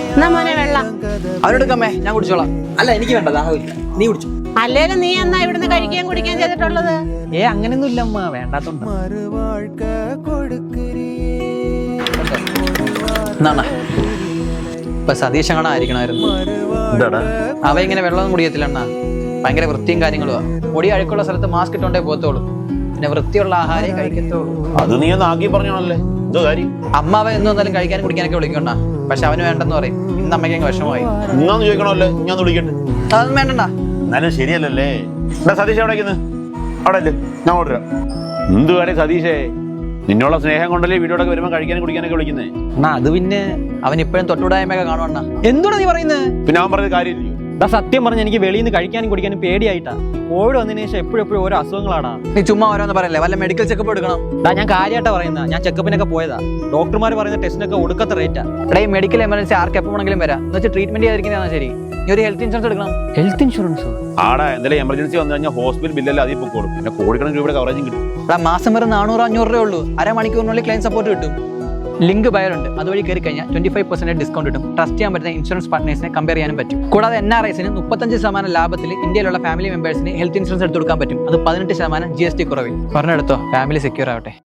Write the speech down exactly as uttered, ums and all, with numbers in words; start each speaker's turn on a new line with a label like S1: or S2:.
S1: എന്നാ മോനെ വെള്ളം.
S2: അവരെടുക്കാമേ, ഞാൻ കുടിച്ചോളാം.
S3: അല്ല എനിക്ക് വേണ്ട, ദാഹമില്ല, നീ കുടിച്ചു.
S1: അല്ലേലും നീ എന്നാ ഇവിടുന്ന് കഴിക്കുകയും കുടിക്കുകയും ചെയ്തിട്ടുള്ളത്?
S3: ഏ അങ്ങനെയൊന്നും ഇല്ല അമ്മ, വേണ്ടാത്തോണ്ട്.
S2: എന്നാണ് ഇപ്പൊ സതീഷ് അങ്ങനെ ആയിരിക്കണമായിരുന്നു. അവ ഇങ്ങനെ വെള്ളമൊന്നും കുടിക്കത്തില്ല അണ്ണാ. ഭയങ്കര വൃത്തിയും കാര്യങ്ങളുമാ. പൊടി അഴുക്കുള്ള സ്ഥലത്ത് മാസ്ക് ഇട്ടോണ്ടേ പോത്തോളൂ. പിന്നെ വൃത്തിയുള്ള ആഹാരം കഴിക്കത്തുള്ളൂ.
S4: അത് നീ ഒന്ന് ആക്കി പറഞ്ഞോളല്ലേ, എന്തോ കാര്യം?
S2: അമ്മ അവ എന്നും എന്തായാലും കഴിക്കാനും കുടിക്കാനൊക്കെ വിളിക്കണ്ട. പക്ഷെ അവന് വേണ്ടെന്ന് പറയും. ഇന്ന് അമ്മയ്ക്ക് അങ്ങ് വിഷമമായി.
S4: ഇന്നാന്ന് ചോദിക്കണമല്ലേ, ഞാൻ വിളിക്കട്ടെ.
S2: അതൊന്നും വേണ്ടണ്ട.
S4: എന്നാലും ശരിയല്ലല്ലേ. എന്താ സതീഷ് എവിടെ അവിടെ അല്ലേ, ഞാൻ ഓർഡർ. എന്ത് കാര്യം സതീഷേ, നിന്നുള്ള സ്നേഹം കൊണ്ടല്ലേ വീഡിയോടൊക്കെ വരുമ്പോൾ കഴിക്കാനും കുടിക്കാനൊക്കെ വിളിക്കുന്നേ.
S3: എന്നാ അത് പിന്നെ
S2: അവൻ ഇപ്പോഴും തൊട്ടുകൂടായ്മയൊക്കെ കാണുവണ്ണ.
S3: എന്തുടാ നീ പറയുന്നത്?
S4: പിന്നെ അവൻ പറഞ്ഞ കാര്യമില്ലയോ?
S3: എടാ സത്യം പറഞ്ഞ എനിക്ക് വെളിയിൽ നിന്ന് കഴിക്കാനും കുടിക്കാനും പേടിയായിട്ടാ. കോവിഡ് വന്നതിന് ശേഷം എപ്പോഴും എപ്പോഴും ഓരോ അസുഖങ്ങളാടാ.
S2: നീ ചുമ്മാ ഓരോന്ന് പറയല്ലേ, വല്ല മെഡിക്കൽ ചെക്കപ്പ് എടുക്കണം.
S3: എടാ ഞാൻ കാര്യമായിട്ടാ പറയുന്നത്, ഞാൻ ചെക്കപ്പിനൊക്കെ പോയതാ. ഡോക്ടർമാർ പറയുന്ന ടെസ്റ്റിനൊക്കെ ഒടുക്കത്തെ റേറ്റാ.
S2: എടാ ഈ മെഡിക്കൽ എമർജൻസി ആർക്ക് എപ്പോൾ വേണമെങ്കിലും വരാം. എന്ന് വെച്ചാൽ ട്രീറ്റ്മെന്റ് ചെയ്തിരിക്കുന്നതാണ് ശരി. നീ ഒരു ഹെൽത്ത് ഇൻഷുറൻസ് എടുക്കണം.
S3: ഹെൽത്ത് ഇൻഷുറൻസ്
S4: ആടാ, എന്തെങ്കിലും എമർജൻസി വന്നു കഴിഞ്ഞാൽ ഹോസ്പിറ്റൽ ബില്ലല്ലേ അതിൽ പൊക്കോളും. പിന്നെ കോടിക്കണക്കിന് രൂപയുടെ കവറേജും കിട്ടും.
S2: എടാ മാസം വെറും നാനൂറ് അഞ്ഞൂറ് രൂപ ഉള്ളൂ. അരമണിക്കൂറിനുള്ളിൽ ക്ലെയിം സപ്പോർട്ട് കിട്ടും. ലിങ്ക് ബയോണ്ട് അതുവഴി കയറി കഴിഞ്ഞാൽ ട്വന്റി ഫൈവ് പെർസെന്റ് ഡിസ്കൗണ്ട് കിട്ടും. ട്രസ്റ്റ് ചെയ്യാൻ പറ്റുന്ന ഇൻഷുറൻസ് പാർട്ട്നേഴ്സിനെ കമ്പയർ ചെയ്യാനും പറ്റും. കൂടാതെ എൻ ആർ ഐസിന് മുപ്പത്തഞ്ച് ശതമാനം ലാഭത്തിൽ ഇന്ത്യയിലുള്ള ഫാമിലി മെമ്പേഴ്സിന് ഹെൽത്ത് ഇൻഷുറൻസ് എടുത്തു കൊടുക്കാൻ പറ്റും. അത് പതിനെട്ട് ശതമാനം ജി എസ് ടി കുറവിൽ. പറഞ്ഞെടുത്തോ, ഫാമിലി സെക്യൂർ ആവട്ടെ.